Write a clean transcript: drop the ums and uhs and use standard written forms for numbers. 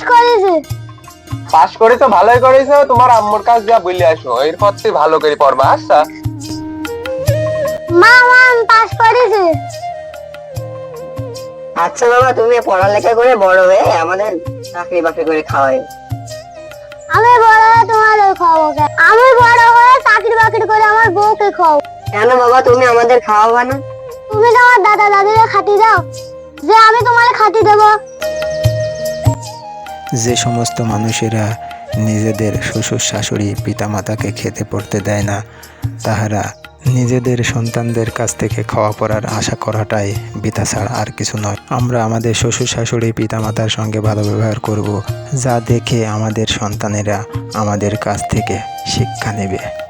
করেছি। পাস করে তো ভালোই করেছো, তোমার আম্মুর কাছে যা বলে আসো, এরপর তুই ভালো করে পড়বা। আচ্ছা মা মা আমি পাস করেছি। আচ্ছা বাবা, তুমি পড়ালেখা করে বড় হয়ে আমাদের চাকরি বাকরি করে খাওয়াই। আমি বড় হয়ে তোমাদের খাওয়াবো কেন? আমি বড় হয়ে চাকরি বাকরি করে আমার বউকে খাওয়াবো। কেন বাবা, তুমি আমাদের খাওয়াবা না? তুমি তো আমার দাদা দাদিরা খাটি দাও, যে আমি তোমার খাটি দেবো। যে সমস্ত মানুষেরা নিজেদের শ্বশুর শাশুড়ি পিতামাতাকে খেতে পড়তে দেয় না, তাহারা নিজেদের সন্তানদের কাছ থেকে খাওয়া পড়ার আশা করাটাই বৃথা ছাড়া আর কিছু নয়। আমরা আমাদের শ্বশুর শাশুড়ি পিতামাতার সঙ্গে ভালো ব্যবহার করব, যা দেখে আমাদের সন্তানেরা আমাদের কাছ থেকে শিক্ষা নেবে।